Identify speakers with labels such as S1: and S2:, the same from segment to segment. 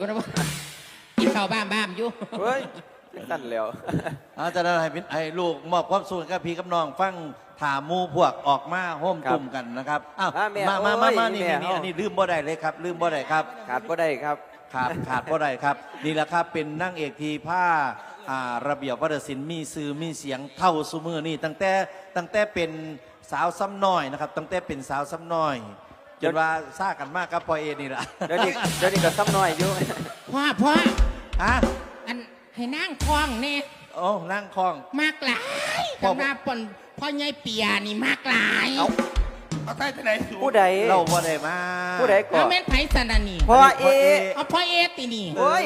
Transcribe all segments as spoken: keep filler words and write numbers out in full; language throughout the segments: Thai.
S1: ก็ได้ว่ากินข้าวบ้ามบ้ามอยู่
S2: เฮ้ยสั่นแล้ว
S3: อาจารย์ให้ให้ลูกมอบความสุขกับพี่กับน้องฟังถามมูพวกออกมาโฮมตุ่มกันนะครับอ้าวมามามามานี่นี่อันนี้ลืมบ่ได้เลยครับลืมบ่ได้ครับ
S2: ขาดบ่ได้ครับ
S3: ขาดขาดบ่ได้ครับนี่แหละครับเป็นนั่งเอกทีผ้าระเบียบวัฒนศิลป์มีสื่อมีเสียงเท่าซุมือนี่ตั้งแต่ตั้งแต่เป็นสาวซ้ำน้อยนะครับตั้งแต่เป็นสาวซ้ำน้อยจนว่าซ่ากันมากครับพอเอนี่ละ
S2: เดี๋ยวนี้เดี๋ยวนี้ก็ซ้ำน้อยอยู่
S1: พ่อพ่อ
S3: ฮะ
S1: อันให้นั่งคล้องเนี่ย
S3: โอ้นั่งคล้อง
S1: มากหลายทำหน้าปนพ่อใหญ่เปียนี่มากหลาย
S4: เอาใต้ที่ไหน
S2: ผู้ใด
S3: เราบ่ได้มา
S2: ผู้ใดก่อน
S1: เอาแม่นไผ่สันนี่
S2: พ่อเอ
S1: เอาพ่อเอตีนี่
S2: โอ้ย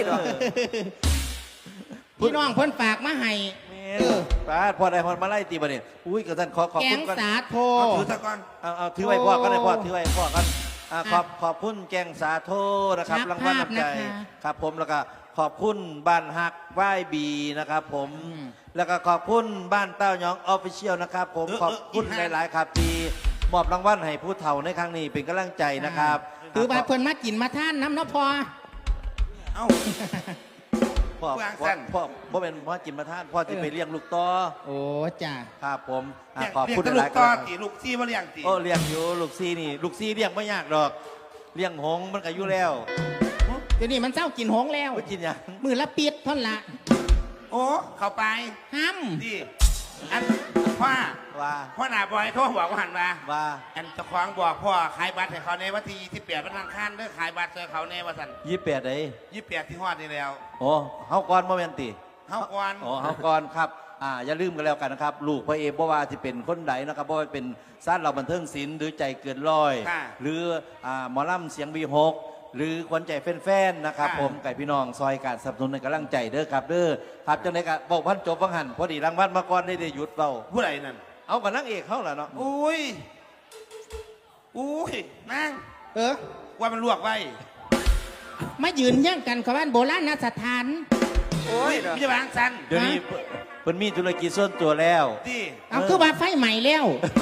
S1: พี่น้องเพิ่นฝากมาให้
S3: เออป้าพอได้พอมาไล่ตีบันเนี่ยอุ้ยกระท่านขอขอบคุณ
S1: กันแกงสาโท
S4: ถือตะกอน
S3: เอาเอาถือไว้พ่อก็ได้พ่อถือไว้พ่อกันขอบขอบคุณแกงสาโทนะครับรางวัลน้ำใจครับผมแล้วก็ขอบคุณบ้านฮักไหว้บีนะครับผมแล้วก็ขอบคุณบ้านเต้ายองออฟฟิเชียลนะครับผมขอบคุณหลายๆครับที่มอบรางวัลให้ผู้เฒ่าในครั้งนี้เป็นกำลังใจนะครับ
S1: คือบ้านเพิ่นมากินมาท่านน้ำเนาะพอ
S4: เอ้า
S3: พ่อพ่อพ่อพ่อเป็นพ่อกินมาท่านพ่อจะไปเลี้ยงลูกต่อ
S1: โอ้จ้า
S3: ครับผมขอบคุณ
S4: หลายๆครับลูกซี่มาเลี้ยงตี
S3: โอ้เลี้ยงอยู่ลูกซี่นี่ลูกซี่เลี้ยงไม่ยากหรอกเลี้ยงหงมันก็อยู่แล้ว
S1: เดี๋ยวนี้มันเจ้ากินหงแล้ว
S3: กินยัง
S1: มือละปิดท่อนละ
S4: โอ้เข้าไป
S1: ห้ำ
S4: ดิอันพ่อ
S3: ว่า
S4: พ่อหน้าบอยโทรบอกว่าหันมา
S3: ว่า
S4: อันเจ้าของบอกพ่อขายบัตรให้เขาในวันที่ยี่สิบแปดวันอังคารเด้อขายบัตรให้เขาในวันสัน
S3: ยี่สิบแปดเลย
S4: ยี่สิบแปดที่ฮอดนี่แล้ว
S3: โอ้เฮาก่อนโมเมนติ
S4: เฮาก่อน
S3: โอ้เฮาก่อนครับอ่าอย่าลืมกันแล้วกันนะครับลูกพ่อเอบ่ว่าที่เป็นคนใดนะครับบ่ว่าเป็นซ่านเราบันเทิงศิลป์หรือใจเกินร้อยหรืออ่าหมอลำเสียงวีหกหรือคนใจแฟนๆนะครับผมไก่พี่น้องซอยการสนับสนุนในกำลังใจเด้อครับเด้อครับจังได๋ก็บอกพันจบฟังหันพอดีรางวัลมาก่อนได้ได้หยุดเบา
S4: ผู้ใดนั่น
S3: เอากับนางเอกเขาล่ะเนาะ
S4: อุ้ยอุ้ยนาง
S1: เออ
S4: ว่ามันลวกไว้
S1: มายืนย่างกันกับบ้านโบราณสถาน
S4: โอ้ยพี่จะวางสัน
S3: เดี๋ยวนี้เพิ่นมีธุรกิจส่วนตัวแล้ว
S4: ดิ
S1: เอาคือว่าไฟใหม่แล้ว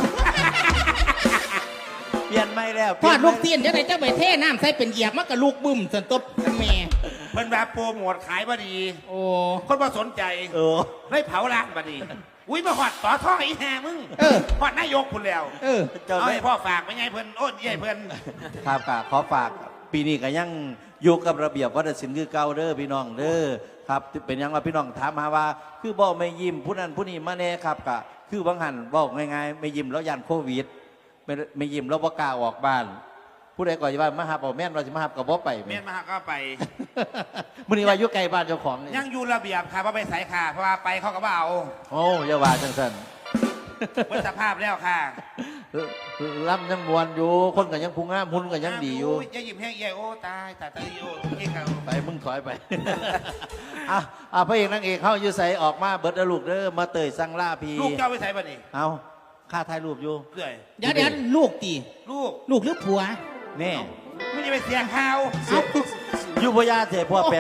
S3: เปลี่ยนไม่แล้ว
S1: ทอดลูกเตียนจะได้เจ้าไปเท่น้ำใส่เป็นเหยียบมากกับลูกบึ้มสันตบแม่
S4: เพิ่นแบบโปรโมทขายบดี
S1: โอ้
S4: คนมาสนใจ
S3: เออ
S4: ไม่เผาร้านบดีอุ้ยมาหอดต่อท่ออีแห่มึง
S1: เออ
S4: หอดนายกคุณแล้ว
S1: เออ
S4: เอาให้พ่อฝากไม่ไงเพิ่นโอ้ยใหญ่เพิ่น
S3: ครับค่ะขอฝากปีนี้ก็ยังอยู่กับระเบียบวัฒนศิลป์คือเก่าเด้อพี่น้องเด้อครับเป็นยังว่าพี่น้องถามหาว่าคือบอกไม่ยิ้มผู้นั้นผู้นี้มาแน่ครับกะคือบางหันบอกง่ายๆไม่ยิ้มแล้วยันโควิดไม่ไม่ยิ้มแล้วบ่กล้าออกบ้านผู้ใดก่อนจะว่ามาหาบ่แม่นเราจะมาหากับบ่ไป
S4: แม่นมาหาก็ไป
S3: มื้อนี้ว่าอยู่ไกลบ้านเจ้าของ
S4: ยังอยู่ระเบียบค่ะเพราะไปใส่ค่ะเพราะว่าไปเขาก็บ่เอา
S3: โอ้อย่าว่าจังซั่น
S4: เบิ่งสภาพแล้วค่ะ
S3: ล่ำยังมวนอยู่คนก็ยังพุงงามหุ่นก็ยังดีอยู่
S4: ยังยิ้มแห้งใหญ่โอ้ตายตายตายโอ้ยิ่งกัน
S3: ไปมึงถอยไปอ่ะอ่ะพระเอกนางเอกเข้าอยู่ใส่ออกมาเบิดลูกเด้อมาเตยสั่งล่าพี
S4: ลูกเจ้าไปใส่บ่นี่
S3: เอาค่าถ่ายรูปอยู่
S4: เรื่อย
S1: เดี๋ยวเดี๋ยวลูกตี
S4: ลูก
S1: ลูกหรือผัว
S3: นี่
S4: ไม่ได้ไปเสียงข่าว
S3: อยู่พญาเถพ่อแป